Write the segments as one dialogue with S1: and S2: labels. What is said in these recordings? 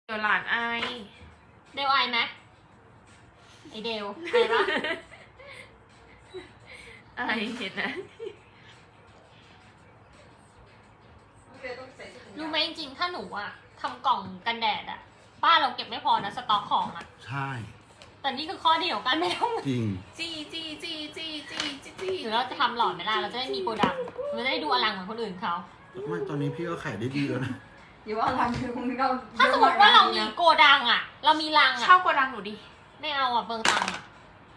S1: เดี๋ยวหลานอาย
S2: เดวไอไหมไอเดวไอปะ
S1: อายเห็นนะ
S2: รู้ไหมจริงๆถ้าหนูอะทำกล่องกันแดดอะป้าเราเก็บไม่พอนะสต็อกของอะ
S3: ใช่
S2: แต่นี่คือข้อดีของการไม่ต้อง
S3: จริง
S1: จี้
S2: หรือเราจะทำหลอดเวลาเราจะได้มีโกดังเราจะได้ดูอลังเหมือนคนอื่นเขา
S3: ไม่ตอนนี้พี่ก็ขายได้ดีแล้วนะ
S4: อย่าว่ารังคือคงเรา
S2: ถ้าสมมติว่าเรามีโกดังอะเรามีรัง
S1: เช่า
S2: อะ
S1: โกดังหนูดิ
S2: ไม่เอาอะเบิงตังค์อะ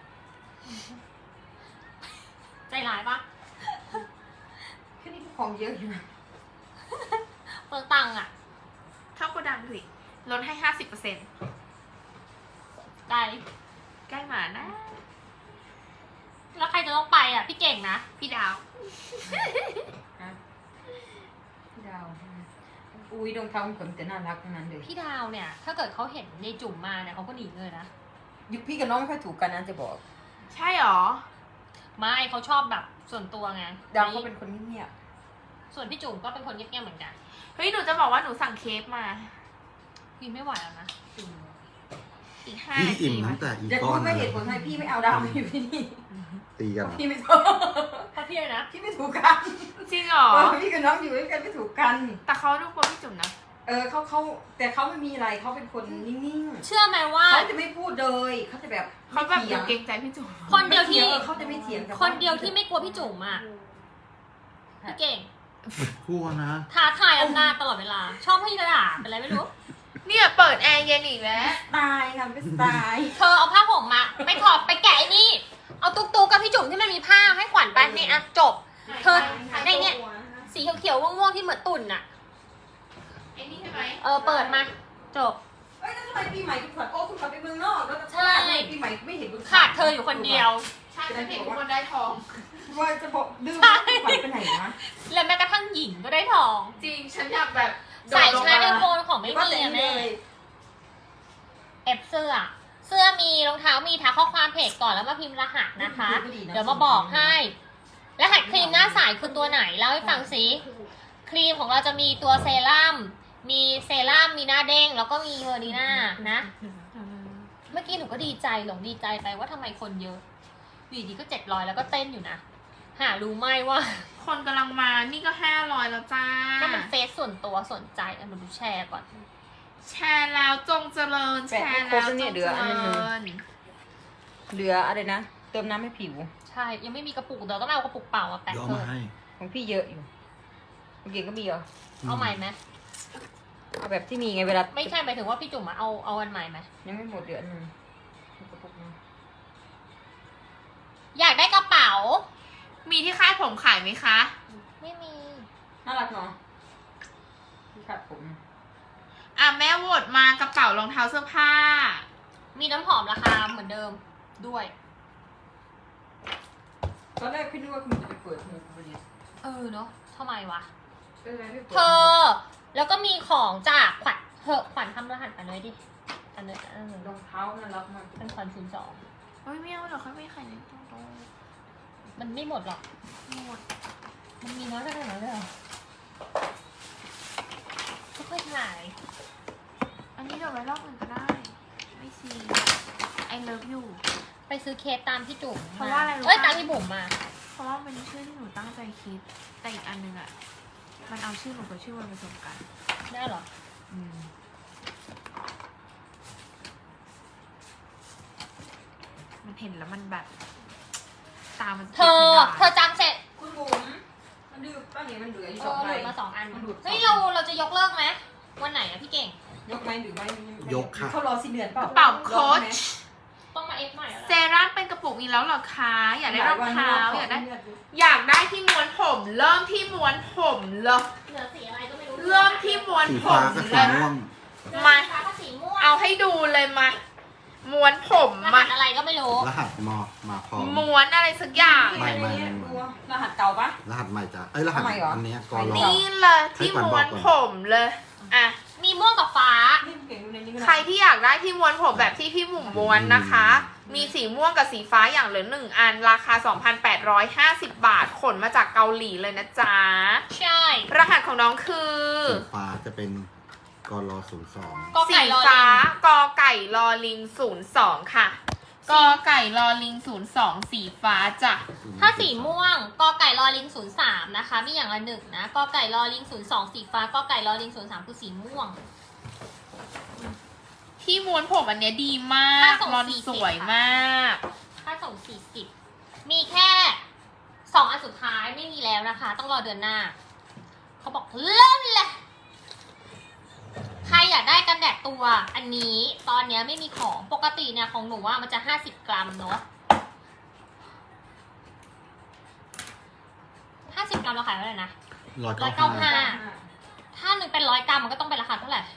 S2: ใจร้ายปะ
S4: แค่นี้ก็ของเยอะอยู่นะ
S2: เบิงตังค์อะ
S1: เช่าโกดังสิลดให้ 50%
S2: ไกล
S1: ใกล้มานะ
S2: แล้วใครจะต้องไปอะพี่เก่งนะ
S1: พี่ดาว
S4: พี่ดาวอุ้ยรองเท้าของผมแต่น่ารักทั้งนั้นเลย
S2: พี่ดาวเนี่ย ถ้าเกิดเขาเห็นในจุ่มมาเนี่ยเขาก็หนีเลยนะ
S4: ยุคพี่กับน้องไม่ค่อยถูกกันนะจะบอก
S1: ใช่หรอ
S2: ไม่เขาชอบแบบส่วนตัวไง
S4: ดาวเขาเป็นคนเงียบ
S2: ส่วนพี่จุ๋มก็เป็นคนเงียบๆเหมือนกัน
S1: เฮ้ยหนูจะบอกว่าหนูสั่งเค้กมา
S2: พี่ไม่ไหวแล้วนะจุ๋ม
S1: อีก5
S3: พี่
S1: นาที
S3: อิ่มตั้งแต่อี
S4: ๆอย่า
S3: ก้
S4: พู
S3: อ
S4: ด
S3: น
S4: ไม่
S3: เล
S4: เห
S3: ย
S4: ตุผลให้พี่ไม่เอาดาวมาอยู่ที่นี่
S3: ตีกันเหรอ
S4: พี่ไม่ถูก
S2: เพราะพี่เลยนะ
S4: พี่ไม่ถูกกัน
S1: จริงเหรอ
S4: พี่กับน้องอยู่ด้วยกันไม่ถูกกัน
S1: แต่เขาดูกลัวพี่จุ๋มนะ
S4: เขาแต่เขาไม่มีอะไรเขาเป็นคนนิ่ง
S2: เชื่อไหมว่า
S4: ๆเขาจะไม่พูดเลยเขาจะแบบ
S1: เขาแบบ
S4: ไม่
S1: ดู
S4: เถียง
S1: เกรงใจพี่จุ๋ม
S2: คนเดียวที่
S4: เขาจะไม่เถียงกับ
S2: คนเดียวที่ไม่กลัวพี่จุ๋มอ่ะพี่เก่ง
S3: กลัวนะ
S2: ท้าทายอำนาจตลอดเวลา ชอบให้กระดาษเป็นอะไรไม่รู้
S1: เนี่ยเปิดแอร์เย็นอีกแล้ว
S4: ตายค่ะเป็นสไตล์
S2: เธอเอาผ้าห่มมาไปถอดไปแกะไอ้นี่ เอาตุ๊กๆกับพี่จุ๋มที่มันมีผ้าให้ขวัญไปนี่อะจบ เธอในเนี่ยสีเขียวๆม่วงๆที่เหมือนตุ่นอะ
S1: ไอ้นี่ใช่ไหม
S2: เปิดมาจบ
S4: เอ้ยแล้วทำไมปีใหม่คุณขวัญคุณขวัญไปเมืองนอกแล้ว
S2: ใช่
S4: ปีใหม่ไม่เห็นคุณขวัญ
S2: ขาดเธออยู่คนเดียว
S1: ใช่ฉันเห็นทุกคนได้ทอง
S4: ว่าจะบอกดื้อ
S2: ใช่
S4: คุณขวัญไปไหนนะ
S2: และแม้กระทั่งหญิงก็ได้ทอง
S1: จริงฉันอยากแบบโด
S2: ใส่
S1: ดลง
S2: ชาร์จไอ
S1: มา
S2: โฟนของไม่มีอะแม่เอฟเสื้อมีรองเท้ามีทักข้อความเพจก่อนแล้วมาพิมพ์รหัสนะคะ เดี๋ยวมาบอกให้ รหัสครีมหน้าใสคือตัวไหนเล่าให้ฟังสิครีมของเราจะมีตัวเซรั่มมีเซรั่มมีหน้าเด้งแล้วก็มีเวอร์ดีน่านะ เมื่อกี้หนูก็ดีใจดีใจไปว่าทำไมคนเยอะอยู่ดีก็700แล้วก็เต้นอยู่นะหารู้ไหมว่า
S1: คนกำลังมานี่ก็500แล้วจ้า
S2: ถ้ามันเฟซส่วนตัวสนใจอ่ะมาดูแชร์ก่อน
S1: แชร์แล้วจงเจริญ แชร์แล้วจงเจริญ
S4: เหลืออะไรนะ เติมน้ำให้ผิว
S2: ใช่ยังไม่มีกระปุกเดี๋ยวต้องเอากระปุกเปล่ามาแปะ
S3: เดี๋ยวเอา
S2: เพิ่
S3: มาม ให้
S4: ของพี่เยอะอยู่ของเก่งก็มีเหรอ
S2: เอาใหม่ไหม
S4: เอาแบบที่มีไงเวลา
S2: ไม่ใช่หมายถึงว่าพี่จุ๋มมาเอาอันใหม่ไหม
S4: ยังไม่หมดเดือนหนึ่งมีกระปุกนึง
S2: อยากได้กระเป๋า
S1: มีที่ค่ายผมขายไหมคะ
S2: ไม่มี
S4: น่ารักเนาะที่ขัดผม
S1: อ่ะแม่โหวตมากระเป๋ารองเท้าเสื้อผ้า
S2: มีน้ำหอมราคาเหมือนเดิมด้วย
S4: ตอนแรกพี่นึกว่าคุณจะไปเปิดหูพอดี
S2: เนาะทำไมวะ
S4: ก็เลยไม่เปิด
S2: เธอ แล้วก็มีของจากขวัญขวัญทำรหัสอันเลยดิอันเลย
S4: รองเท้าน่ารักมาก
S2: เป็นขวัญ02
S1: เฮ้ยไม่เอาหรอกเขาไม่ขายในตรง
S2: มันไม่หมดหรอก
S1: หมด
S2: มันมีน้อยขนาดนั้นเลยเหรอไม่ค่อยขาย
S1: อันนี้เดี๋ยวไว้รอบอื่นก็ได้ ไม่ซีไอเลิฟอยู่
S2: ไปซื้อเคสตามพี่จุ๋ม
S1: เพราะว่าอะไรรู้ปะ
S2: เอ้ยตามพี่บุ๋มมา
S1: เพราะว่ามันชื่อที่หนูตั้งใจคิด แต่อีกอันนึงอ่ะ มันเอาชื่อหนูกับชื่อมันผสมกัน
S2: ได้เหรอ
S1: มันเห็นแล้วมันแบบ ตามัน
S2: เธอจำเสร็จ
S4: คุณบุ๋มมันดื้อป้าเนี่ยมันเหลืออยู่
S2: เอ
S4: สอง
S2: อ
S4: ใบ
S2: หลุดมา2 อัน
S4: มันหลุด
S2: เฮ้ยเราจะยกเลิกไหมวันไหนอะพี่เก่ง
S4: ยกไหมหรือไม่
S3: ยกค่ะ
S4: เขารอสิ้นเดือนเปล่าก
S1: ระเป๋าโค้ช
S2: ต้องมาเอฟใหม่แล้ว
S1: เซ
S2: ล่ะ
S1: รั่มเป็นกระปุกอีกแล้วเหรอคะอยากได้รองเท้าอยากได้
S4: เลือด
S1: อยากได้ที่ม้วนผม เริ่มที่ม้วนผมเลย
S2: เหลือสีอะไรก็ไม่รู้
S1: เริ่มที่ม้วน
S3: สี
S1: ผ
S3: ฟ้าม กับ
S1: เล
S3: สี
S1: ย
S3: ม่วง
S2: เหลือ
S1: มา
S2: สีฟ้ากับสีม่วง
S1: เอาให้ดูเลยมา ม้วนผม
S2: รหั
S1: มา
S2: สอะไรก็ไม่รู้
S3: รหัสมาพร้อม
S1: ม้วนอะไรสักอย่าง
S3: ไม่
S4: รหัสเก่าปะ
S3: รหัสใหม่จ้ะรหัส
S4: ทำไมเหรอ
S3: อันเนี้ยกอรอ
S1: นี่เลยที่ม้วนผมเลยอ่ะ
S2: มีม่วงกับฟ้า
S4: นี่เก่งดูในนี้ก็
S1: ใครที่อยากได้ที่ม้วนผมแบบที่พี่หมุมม้วนนะคะ มีสีม่วงกับสีฟ้าอย่างเหลือ1 อันราคา 2,850 บาทขนมาจากเกาหลีเลยนะจ๊ะ
S2: ใช่
S1: รหัสของน้องคือ
S3: สีฟ้าจะเป็นกรอ02
S2: กอ
S1: สี
S2: ไก่รอลิ
S1: ฟ้าง กอไก่ลอลิง02ค่ะกอไก่ลอลิง02สีฟ้าจ้ะ
S2: ถ้าสีม่วงกอไก่รอลิง03นะคะมีอย่างละหนึ่งนะกอไก่รอลิง02สีฟ้ากอไก่รอลิง03คือสีม่วง
S1: ที่ม้วนผมอันเนี้ยดีมา
S2: ค่าก ส่ง
S1: รอน
S2: 40
S1: สวยมาก
S2: ค่าส่ง40มีแค่2อันสุดท้ายไม่มีแล้วนะคะ ต้องรอเดือนหน้าเขาบอกเริ่มเลยใครอยากได้กันแดดตัวอันนี้ตอนเนี้ยไม่มีของปกติเนี่ยของหนูว่ามันจะ50 กรัมเนาะ50 กรัมเราขายเท่าไหร่นะ
S3: 195
S2: ถ้าหนึ่งเป็น100 กรัมมันก็ต้องเป็นราคาเท่าไหร่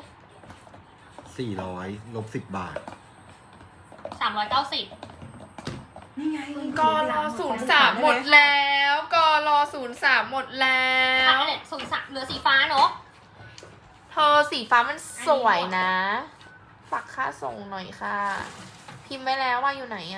S3: 400ลบ10 บาท
S2: 390
S4: นี่ไง
S1: กอรอ03หมดแล้วกอรอ03หมดแล้
S2: ขาว ยเลย03เหลือสีฟ้าเนาะ
S1: เธอสีฟ้ามันสวยนะ ฝากค่าส่งหน่อยค่ะ พิมพ์ไว้แล้วว่าอยู่ไหนอะ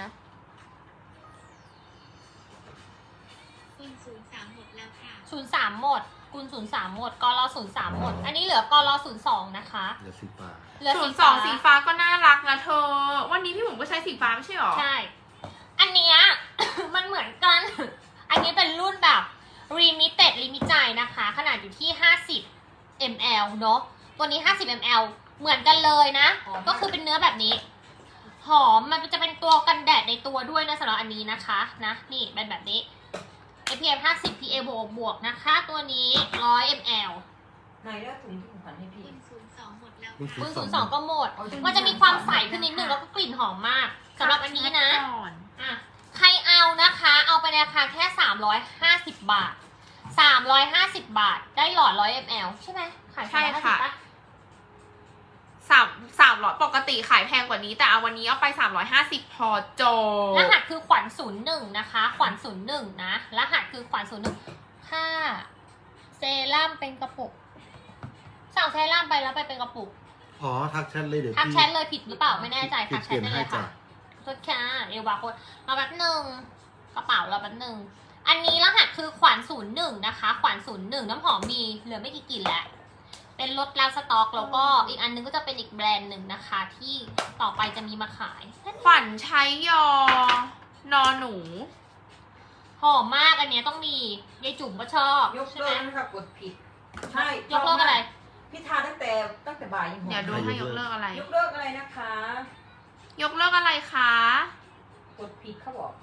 S2: 03 หมดแล้วค่ะ03 หมดกุล03 หมดกร03 หมด อันนี้เหลือกร02 นะคะ
S3: เหลือ10 บาท
S2: เหลือ
S1: 02สีฟ้าก็น่ารักนะเธอ วันนี้พี่หมุมก็ใช้สีฟ้าไม่ใช่หรอ
S2: ใช่ อันเนี้ย มันเหมือนกัน อันนี้เป็นรุ่นแบบ limited ลิมิตใจนะคะ ขนาดอยู่ที่50 ml เนอะตัวนี้50 ml เหมือนกันเลยนะ ก็คือเป็นเนื้อแบบนี้ หอมมันจะเป็นตัวกันแดดในตัวด้วยนะสำหรับอันนี้นะคะนะนี่เป็นแบบนี้ SPF 50 PA บวกนะคะ ตัวนี้100 ml
S4: ไหนแล้วถุงที่ผมผันให้พี่
S2: คุณ02 ก็หมด มันจะมีความใสขึ้นนิดนึงแล้วก็กลิ่นหอมมากสำหรับอันนี้นะอ่ะใครเอานะคะ เอาไปในราคาแค่350 บาท350 บาทได้หลอด100 ml ใช่ไหมขาย
S1: ใช่ค่ะ
S2: 350ป
S1: 300ปกติขายแพงกว่านี้แต่เอาวันนี้เอาไป350พอโจ
S2: รหัสคือขวัญ01นะคะขวัญ01นะรหัสคือขวัญ01ค่าเซรั่มเป็นกระปุกสั่งเซรั่มไปแล้วไปเป็นกระปุก
S3: อ๋อ ทักแชทเลยเดี๋ยว
S2: ทัก
S3: พี่
S2: แชทเลยผิดหรือเปล่าไม่แน่ใจทักแช
S3: เปลี่
S2: ท
S3: ยน
S2: ได้เล
S3: ให้
S2: ย
S3: จ้ะ
S2: ค่ะโทษค่ะเอวาโค้ดมาแป๊บหนึ่งกระเป๋าเราแป๊บหนึ่งอันนี้รหัสคือขวัญ01นะคะขวัญ01น้ำหอมมีเหลือไม่กี่กลิ่นแล้วเป็นลดแล้วสต็อกแล้วก็อีกอันนึงก็จะเป็นอีกแบรนด์หนึ่งนะคะ ที่ต่อไปจะมีมาขาย
S1: ขวัญใช้ยอนอหนู
S2: หอมมากอันเนี้ยต้องมียายจุ๋มก็ชอบ
S4: ยก
S2: ใช่
S4: เลิ
S2: ไหม
S4: กนะครับกดผิด ใช่
S2: ยกเลิกอะไร
S4: พี่ทาตั้งแต่บ่ายยังหอม
S1: อย่าดูให้ยกเลิกอะไร
S4: ยกเลิกอะไรนะคะ
S1: ยกเลิกอะไรคะ
S4: กดผิดเขาบอก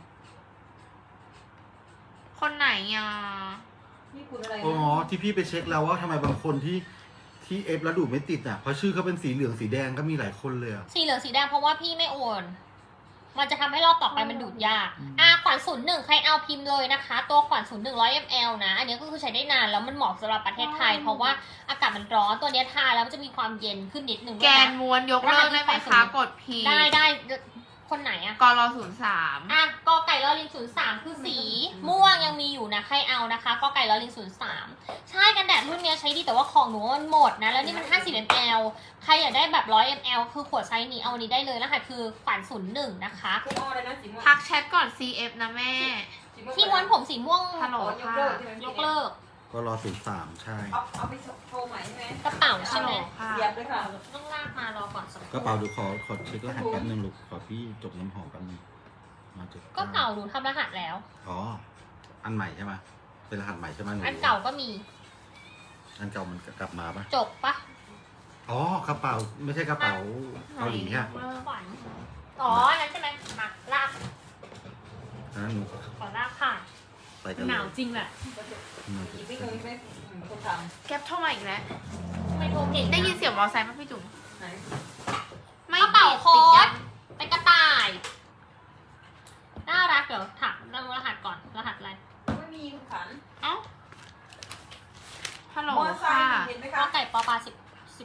S1: คนไหนอ่ะ
S4: นี่คุณอะไรนะ
S3: อ๋อ ที่พี่ไปเช็คแล้วว่าทำไมบางคนที่เอฟแล้วดูดไม่ติดอ่ะ เพราะชื่อเขาเป็นสีเหลืองสีแดงก็มีหลายคนเลยอ่ะ
S2: สีเหลืองสีแดงเพราะว่าพี่ไม่โอน มันจะทำให้รอบต่อไปมันดูดยาก ขวัญ01ใครเอาพิมพ์เลยนะคะ ตัวขวัญ01 100 ml นะ อันนี้ก็คือใช้ได้นานแล้วมันเหมาะสำหรับประเทศไทย เพราะว่าอากาศมันร้อนตัวเนี้ยทาแล้วมันจะมีความเย็นขึ้นนิดนึง
S1: แก
S2: ด้วย
S1: น
S2: นะ
S1: ม้วนยกเลิกได้ไหมคะกดพี
S2: ได้คนไหนอะ
S1: กรอ03
S2: กอไก่ลอลิง03คือสีม่วงยังมีอยู่นะใครเอานะคะกอไก่ลอลิง03ใช่กันแดดรุ่นเนี้ยใช้ดีแต่ว่าของหนูมันหมดนะแล้วนี่มัน50 ml ใครอยากได้แบบ100 ml คือขวดไซส์นี้เอาอันนี้ได้เลยนะคะคือขวัญ01นะคะ
S4: คุณอ้ออะไรนะสีม่วง
S1: ทักแชทก่อน CF นะแม่
S2: ที่ม้วนผมสีม่วง
S1: ฮัลโหล
S4: ยกเลิกใช่ไหม
S2: ยกเลิก
S3: ก็รอ03ใช่
S4: เอาไปโชว์ใหม่ใช่ไหม
S2: กระเป๋าใช่ไหม
S1: ค่ะ
S4: เสียบเลยค่ะ
S2: ต้องลากมารอก่อนสักค
S3: กระเป๋าดูขอเช็ครหัสแป๊บนึงลูก ขอพี่จบน้ำหอมแป๊บนึงมาจบ
S2: ก็เก่าหนูทำรหัสแล้ว
S3: อ๋อ อันใหม่ใช่ไหมเป็นรหัสใหม่ใช่ไหมหนู
S2: อันเก่าก็มี
S3: อันเก่ามันกลับมาปะ
S2: จบปะ
S3: อ๋อกระเป๋าไม่ใช่กระเป๋าเกาหลีฮะ
S2: ขวัญอ๋ออันนั้นใช่ไหมมาลาก
S3: อันนั้นหนู
S2: ขอลากผ่าน
S3: ไปกัน
S2: ห
S3: เล
S2: นาวย จริงแหละ
S4: อีกไม่งงใช่ไหมคนท
S1: แก๊ปโทรมาอีกแล้ว
S2: ไม่โทรเก่ง
S1: ได้ยินเสียงมอไซค์ป่ะพี่จุ๋ม
S4: ำไหน
S1: ไม่
S2: กระเป๋าโค้
S1: ติยั
S2: ด
S1: ง
S2: เป็นกระต่าย น่ารักเดี๋ยวถามรหัสก่อน รหัสอะไร
S4: ไม่มีคุณขัน
S1: เอ้าฮัลโหล
S4: มอไซ
S1: ค่ะ
S4: ค์เห็นไหม
S2: ก
S4: คะ
S2: อไก่ปอปลา10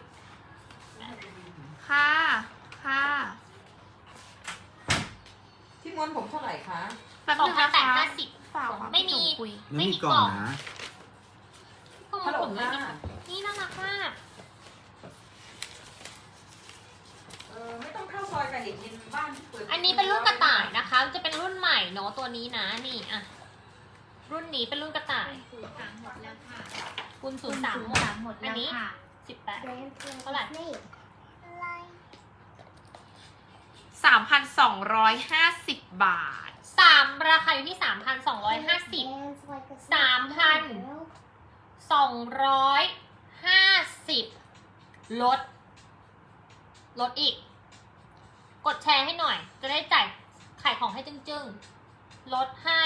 S1: ค่ะค่ะ
S4: ที่ม้วนผมเท่าไหร่คะ
S1: แป๊บนึงนะคะ
S2: 2,850
S1: ฝากความ
S2: ไม่มี
S1: พี่จุ๋คุย
S3: ไม่มีกล่องนะ
S2: ก็
S4: ฮัลโหล
S2: ผมไม่
S4: ค่ะ
S2: มีนี่น่ารักมาก
S4: ไม่ต้องเข้าซอยกันเด็กยินบ้านที่เปิด
S2: อันนี้เป็นรุ่นกระต่ายนะคะจะเป็นรุ่นใหม่เนาะตัวนี้นะนี่อ่ะรุ่นนี้เป็นรุ่นกระต่าย
S5: 03หมดแล้วค่ะ
S2: คุณ03หมด
S5: หมด
S2: อั
S5: แล้
S2: น
S5: ว
S2: นี้
S5: ค่ะ
S2: 18 เท่าไหร่
S1: 3,250 บาท
S2: ราคาอยู่ที่ 3,250 3,250 ลดอีก กดแชร์ให้หน่อย จะได้จ่ายขายของให้จึ้งๆ ลดให้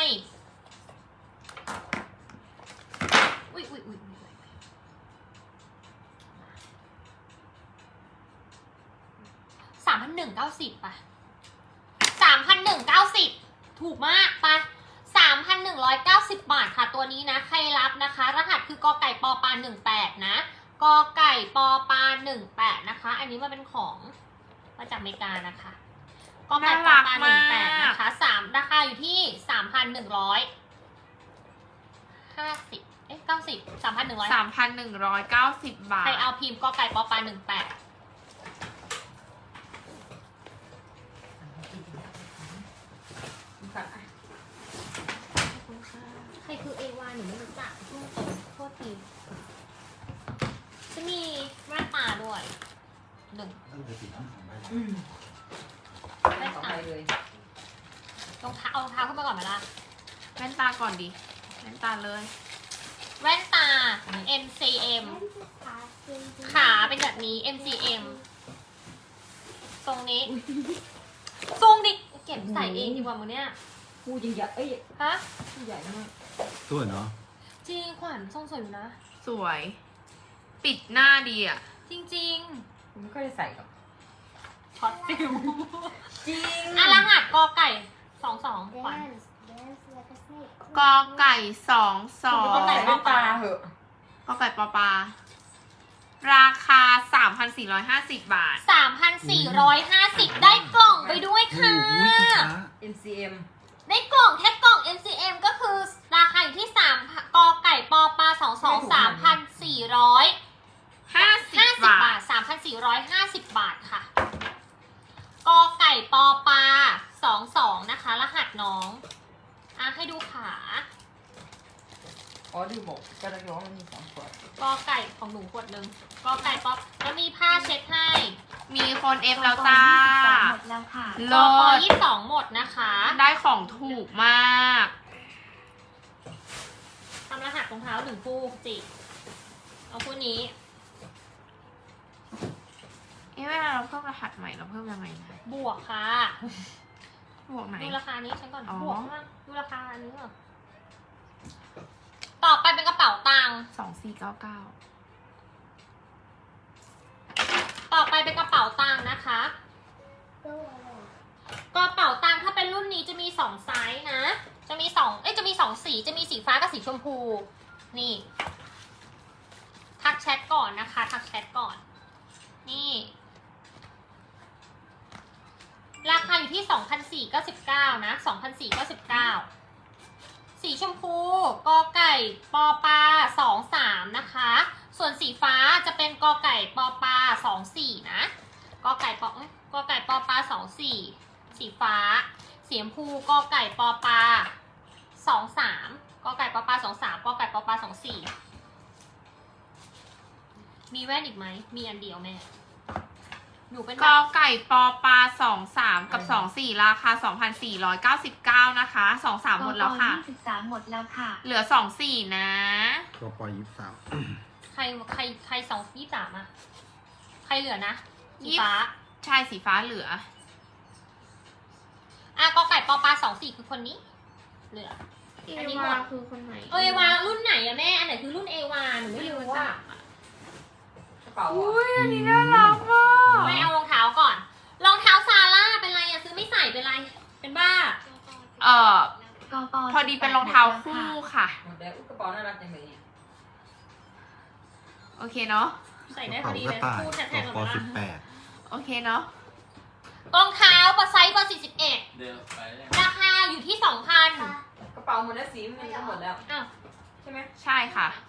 S2: อุ๊ย3,190ป่ะ3,190 ถูกมากป่ะ3,190 บาทค่ะตัวนี้นะ ใครรับนะคะ รหัสคือกอไก่ปอปา18นะกอไก่ปอปา18นะคะ อันนี้มาเป็นของมาจากอเมริกานะคะกอไก่ปอปา18นะคะราคาอยู่ที่
S1: 3,190 บาท
S2: ใครเอาพิมพ์กอไก่ปอปา18ใครคือเอวาหนูไม่รู้จักพูดตรงโทษทีจะมีแว่นตาด้วย1
S4: ไม่ต่อไปเลย
S2: รองเท้าเอารองเท้าขึ้นมาก่อนไหมล่ะ
S1: แว่นตาก่อนดิแว่นตาเลย
S2: แว่นตา MCM ขาเป็นแบบนี้ MCM ทรงนี้ทรงดิเก็บใส่เองดีกว่ามึงเนี่ย
S4: กูยังใหญ่เอ้ย
S2: ฮะ
S4: กูใหญ่มาก
S3: สวยเนาะ
S2: จริงขวัญทรงสวยอยู่นะ
S1: สวย ปิดหน้าดีอ่ะ
S2: จริง
S4: กูไม่ค่อยได้ใส่หรอก
S2: ๆช็อตฟิล
S4: จริง
S2: รหัสกอไก่22ขวัญ
S1: กอไก่
S4: กูก็ใส่แว่นตาเหอะ
S1: กอไก่ปอปา ราคา 3,450 บาท
S2: 3,450 ได้กล่องไปด้วย
S3: โอ้
S2: ค่ะ
S3: โหคุณค้า
S4: MCM
S2: ได้กล่องแค่กล่อง MCM ก็คือราคาอยู่ที่3กอไก่ปอปา22 3,450 บาท 3,450 บาทค่ะกอไก่ปอปา22นะคะ รหัสน้องให้ดูขา
S4: อ๋อดูบอกกระร้องมันมี2ขวด
S2: กอไก่ของหนูขวดหนึ่งกอไก่ป๊อปแล้วมีผ้าเช็ดให้
S1: มีคนเอฟแล้วจ้า
S5: หมดแล้วค่ะ
S1: โล
S2: กอ
S1: ด
S2: 22หมดนะคะ
S1: ได้ของถูกมาก
S2: ทำรหัสรองเท้า1คู่จิเอาคู่นี้
S1: เวลาเราเพิ่มรหัสใหม่เราเพิ่มยังไงนะ
S2: บวกค่ะ
S1: บวกไหน
S2: ดูราคานี้ฉันก่อน
S1: อ๋อ
S2: บวกมากดูราคาอันนี้ก่อนต่อไปเป็นกระเป๋าตังค์
S1: 2499
S2: ต่อไปเป็นกระเป๋าตังค์นะคะกระเป๋าตังค์ถ้าเป็นรุ่นนี้จะมี2ไซส์นะ จะมี2สีจะมีสีฟ้ากับสีชมพู นี่ ทักแชทก่อนนะคะ ทักแชทก่อน นี่ ราคาอยู่ที่ 2,499 นะ 2,499 สีชมพูกอไก่ปอปา23นะคะ ส่วนสีฟ้าจะเป็นกอไก่ปอปา24นะกอไก่ปอปา24สีฟ้าสีชมพูกอไก่ปอปา23กอไก่ปอปา23กอไก่ปอปา24มีแว่นอีกไหมมีอันเดียวแม่หนูเป็น
S1: กอไก่ปอปา23กับ24ราคา 2,499 นะคะ23หมดแล้วค่ะ
S5: 23หมดแล้วค่ะ
S1: เหลือ24นะ
S3: กป23
S2: ใคร223อะใครเหลือนะสีฟ้า
S1: ใช่สีฟ้าเหลือ
S2: กอไก่ปอปา24คือคนนี้ เหลือ อันนี้หมด
S1: คือคนไหน
S2: เอวารุ่นไหนอะแม่ อันไหนคือรุ่นเอวาหนูไม่รู้อะ
S4: กระเป๋า
S1: อุ้ยอันนี้น่ารักมาก
S2: ไม่เอารองเท้าก่อน รองเท้าซาร่าเป็นไรอะซื้อไม่ใส่เป็นไร เป็นบ้า
S1: พอดีเป็นรองเท้าคู่ค่ะ
S4: หมดแล้วกระเป๋าน่ารักจังเลยเนี่ย
S1: โอเคเนาะ
S2: ใส่
S3: ก
S2: ได้
S3: ระ
S2: พอ
S3: เป๋า
S2: ดี
S3: ก
S2: เล
S3: ระ
S2: ย
S3: ต่าย
S2: คู่แทนๆ
S3: ก
S2: กับ
S3: ป
S2: บ้า
S1: โอเคเนาะ
S2: รองเท้าไซส์เบอร์41
S6: เดี๋ยวไปเลย
S2: ราคาอยู่ที่ 2,000
S4: กระเป๋าหมดแล้วสีมันก็หมดแล้ว
S2: อ้าว
S4: ใช่ไหม
S1: ใช่ค่ะ
S2: 2,000